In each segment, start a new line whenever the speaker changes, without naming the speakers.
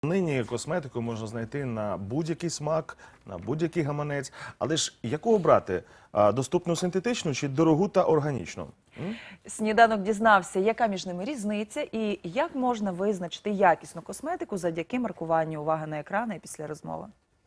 Нині косметику можна знайти на будь-який смак, на будь-який гаманець. Але ж яку обрати? Доступну синтетичну чи дорогу та органічну?
Сніданок дізнався, яка між ними різниця і як можна визначити якісну косметику завдяки маркуванню. Увага на екрани після розмови.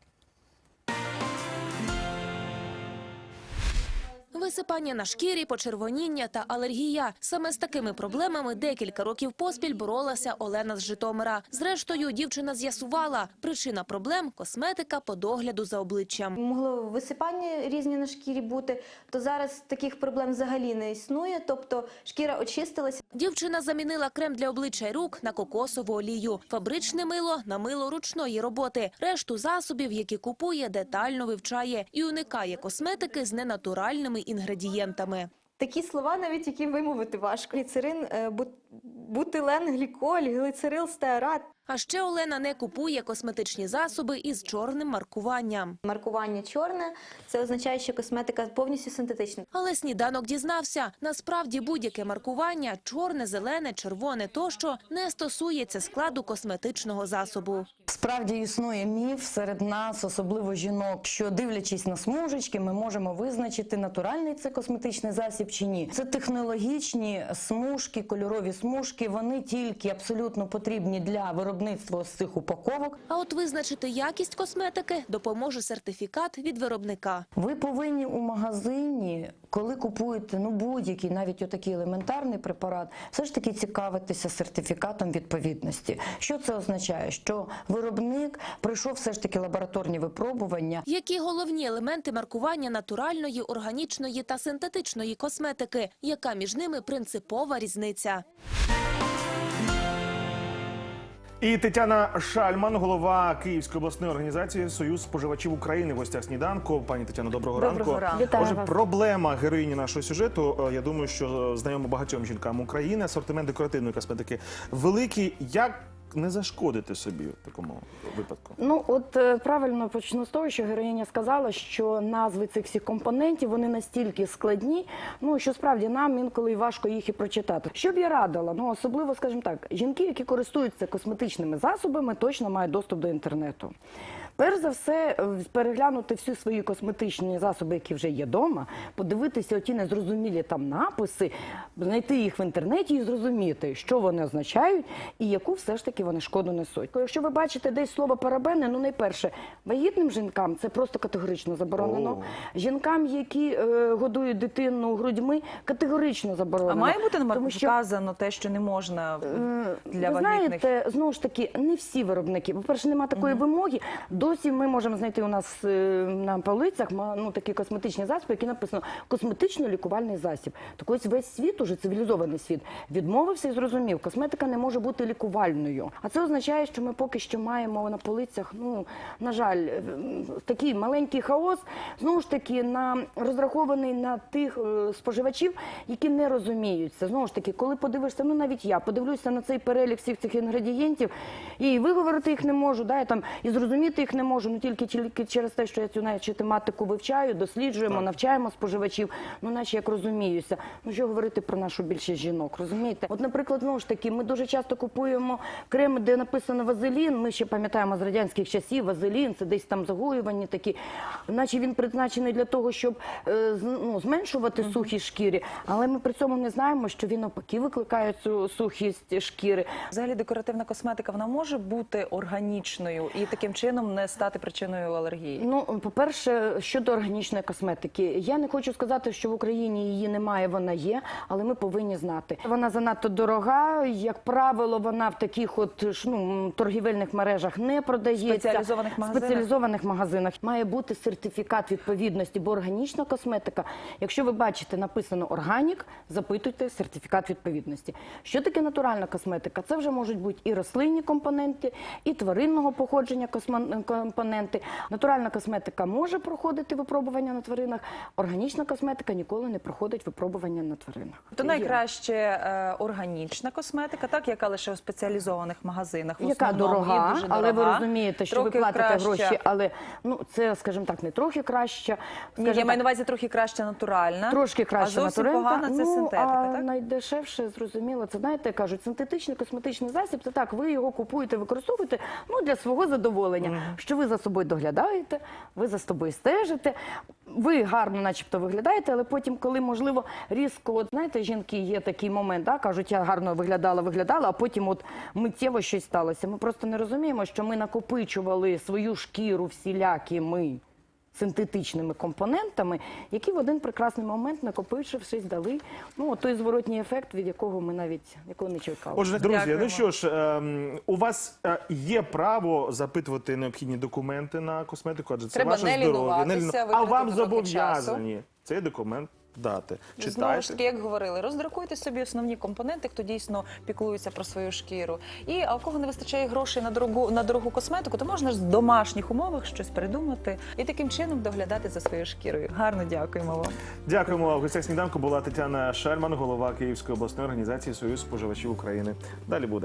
Висипання на шкірі, почервоніння та алергія. Саме з такими проблемами декілька років поспіль боролася Олена з Житомира. Зрештою, дівчина з'ясувала, причина проблем – косметика по догляду за обличчям.
Могло висипання різні на шкірі бути, то зараз таких проблем взагалі не існує, тобто шкіра очистилася.
Дівчина замінила крем для обличчя й рук на кокосову олію, фабричне мило на мило ручної роботи. Решту засобів, які купує, детально вивчає і уникає косметики з ненатуральними інгредієнтами.
Такі слова, навіть які вимовити важко. Гліцерин, бутилен, гліколь, глицерил, стеарат.
А ще Олена не купує косметичні засоби із чорним маркуванням.
Маркування чорне – це означає, що косметика повністю синтетична.
Але сніданок дізнався, насправді будь-яке маркування – чорне, зелене, червоне тощо – не стосується складу косметичного засобу.
Справді існує міф серед нас, особливо жінок, що дивлячись на смужечки, ми можемо визначити, натуральний це косметичний засіб чи ні. Це технологічні смужки, кольорові смужки, вони тільки абсолютно потрібні для виробництва з цих упаковок.
А от визначити якість косметики допоможе сертифікат від виробника.
Ви повинні у магазині, коли купуєте будь-який, навіть отакий елементарний препарат, все ж таки цікавитися сертифікатом відповідності. Що це означає? Що виробник пройшов все ж таки лабораторні випробування.
Які головні елементи маркування натуральної, органічної та синтетичної косметики? Яка між ними принципова різниця?
І Тетяна Шальман, голова Київської обласної організації «Союз споживачів України» в гостях сніданку. Пані Тетяно, доброго ранку.
Доброго ранку.
Вітаю
Отже,
вас.
проблема героїні нашого сюжету, я думаю, що знайома багатьом жінкам України, асортимент декоративної косметики великий. Як не зашкодити собі в такому випадку?
Ну, от правильно почну з того, що героїня сказала, що назви цих всіх компонентів, вони настільки складні, що справді нам інколи важко їх і прочитати. Що б я радила? Особливо, скажімо так, жінки, які користуються косметичними засобами, точно мають доступ до інтернету. Перш за все, переглянути всі свої косметичні засоби, які вже є вдома, подивитися оті незрозумілі там написи, знайти їх в інтернеті і зрозуміти, що вони означають і яку все ж таки вони шкоду несуть. Якщо ви бачите десь слово парабени, найперше, вагітним жінкам це просто категорично заборонено. Жінкам, які годують дитину грудьми, категорично заборонено.
А має бути
Тому що,
вказано те, що не можна для
ви
вагітних?
знаєте, знову ж таки, не всі виробники. По-перше, немає такої вимоги. Досі ми можемо знайти у нас на полицях такі косметичні засоби, які написано «косметично-лікувальний засіб». Так ось весь світ, уже цивілізований світ, відмовився і зрозумів, косметика не може бути лікувальною. А це означає, що ми поки що маємо на полицях, на жаль, такий маленький хаос, знову ж таки, розрахований на тих споживачів, які не розуміються. Знову ж таки, коли подивишся, навіть я подивлюся на цей перелік всіх цих інгредієнтів, і виговорити їх не можу, і зрозуміти їх не можу, тільки через те, що я цю тематику вивчаю, досліджуємо, навчаємо споживачів, наче як розуміюся. Що говорити про нашу більшість жінок, розумієте? От, наприклад, знову ж таки, ми дуже часто купуємо креми, де написано вазелін, ми ще пам'ятаємо з радянських часів, вазелін, це десь там загоювані такі, наче він призначений для того, щоб зменшувати сухість шкіри, але ми при цьому не знаємо, що він навпаки викликає цю сухість шкіри.
Взагалі декоративна косметика, вона може бути органічною і таким чином не стати причиною алергії?
По-перше, щодо органічної косметики. Я не хочу сказати, що в Україні її немає, вона є, але ми повинні знати. Вона занадто дорога, як правило, вона в таких торгівельних мережах не продається. Спеціалізованих магазинах. Має бути сертифікат відповідності, бо органічна косметика, якщо ви бачите, написано «органік», запитуйте сертифікат відповідності. Що таке натуральна косметика? Це вже можуть бути і рослинні компоненти, і тваринного походження компоненти. Натуральна косметика може проходити випробування на тваринах, органічна косметика ніколи не проходить випробування на тваринах.
То
Є.
найкраще органічна косметика, так, яка лише у спеціалізованих магазинах. В
Яка
основному, і
дорога,
дуже
але ви
дорога.
розумієте, що ви
Трохи
платите
краща.
гроші, але це, скажімо так, не трохи краще.
Ні,
скажімо
я маю
так,
на увазі трохи краще натуральна.
Трошки краще
а зовсім
натуральна.
погана це синтетика,
а
так?
найдешевше, зрозуміло, це, знаєте, кажуть, синтетичний косметичний засіб, це так, ви його купуєте, використовуєте для свого задоволення, що ви за собою доглядаєте, ви за собою стежите, ви гарно начебто виглядаєте, але потім, коли, можливо, різко, от знаєте, жінки, є такий момент, кажуть, я гарно виглядала, а потім от миттєво щось сталося. Ми просто не розуміємо, що ми накопичували свою шкіру всілякими синтетичними компонентами, які в один прекрасний момент, накопичившись, дали той зворотній ефект, від якого ми навіть не чекали.
Отже, друзі,
Дякуємо.
ну що ж, у вас є право запитувати необхідні документи на косметику, адже це
Треба
ваше
не
здоров'я.
лінуватися,
А
витратити
вам
трохи
зобов'язані цей документ дати.
Знову ж
Читайте.
таки, як говорили, роздрукуйте собі основні компоненти, хто дійсно піклується про свою шкіру. А у кого не вистачає грошей на дорогу косметику, то можна ж в домашніх умовах щось придумати і таким чином доглядати за своєю шкірою.
Гарно дякуємо вам.
Дякуємо. В гостях сніданку була Тетяна Шельман, голова Київської обласної організації Союз споживачів України. Далі буде.